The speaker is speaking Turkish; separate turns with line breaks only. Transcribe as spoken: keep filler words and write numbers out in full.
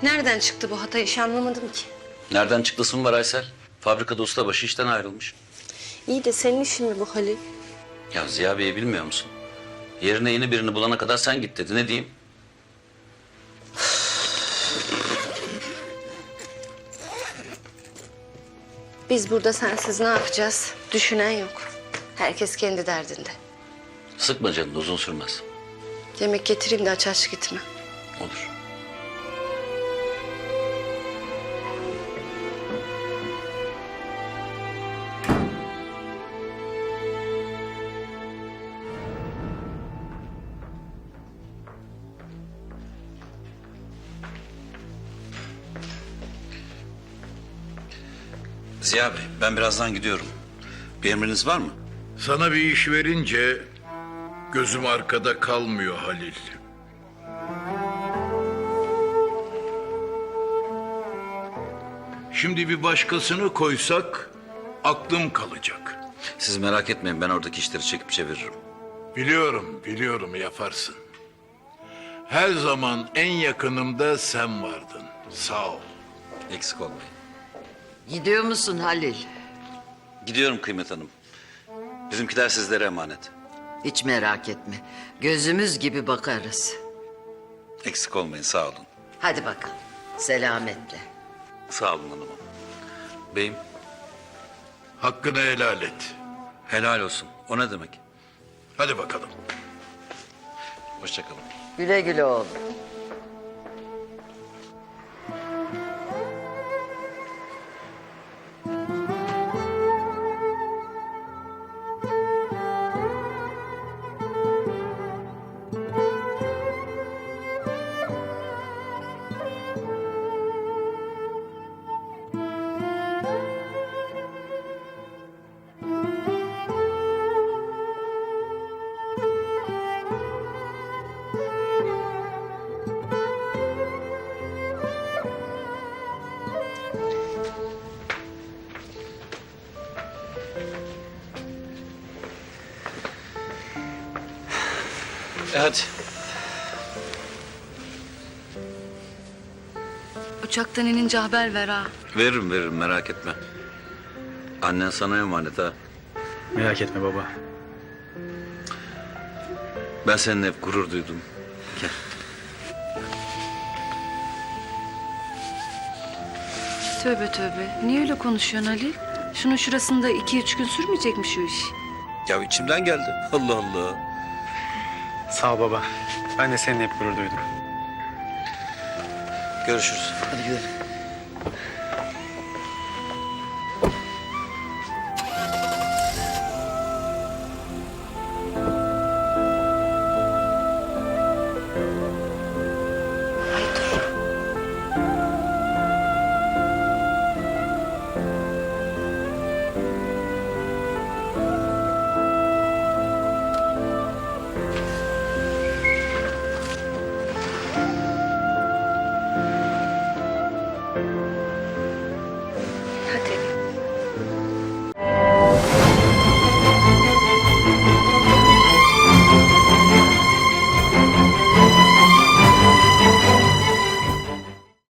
Nereden çıktı bu hata iş anlamadım ki.
Nereden çıktısı mı var Aysel? Fabrikada ustabaşı işten ayrılmış.
İyi de senin işin mi bu Halil?
Ya Ziya Bey'i bilmiyor musun? Yerine yeni birini bulana kadar sen git dedi. Ne diyeyim?
Biz burada sensiz ne yapacağız? Düşünen yok. Herkes kendi derdinde.
Sıkma canını, uzun sürmez.
Yemek getireyim de aç aç gitme.
Olur. Ziya Bey, ben birazdan gidiyorum. Bir emriniz var mı?
Sana bir iş verince gözüm arkada kalmıyor Halil. Şimdi bir başkasını koysak aklım kalacak.
Siz merak etmeyin, ben oradaki işleri çekip çeviririm.
Biliyorum, biliyorum yaparsın. Her zaman en yakınımda sen vardın. Sağ ol.
Eksik olmayın.
Gidiyor musun Halil?
Gidiyorum Kıymet Hanım. Bizimkiler sizlere emanet.
Hiç merak etme. Gözümüz gibi bakarız.
Eksik olmayın, sağ olun.
Hadi bakalım. Selametle.
Sağ olun hanımım. Beyim,
Hakkını helal et.
helal olsun. O ne demek?
Hadi bakalım.
Hoşça kalın.
Güle güle oğlum.
E hadi.
Uçaktan inince haber ver ha.
Veririm veririm, merak etme. Annen sana emanet ha.
Merak etme baba.
Ben seninle hep gurur duydum. Gel.
Tövbe tövbe. Niye öyle konuşuyorsun Halil? Şunun şurasında iki üç gün sürmeyecek mi şu iş?
Ya içimden geldi. Allah Allah.
Sağ ol baba. Ben de seninle hep gurur duydum.
Görüşürüz.
Hadi yürü.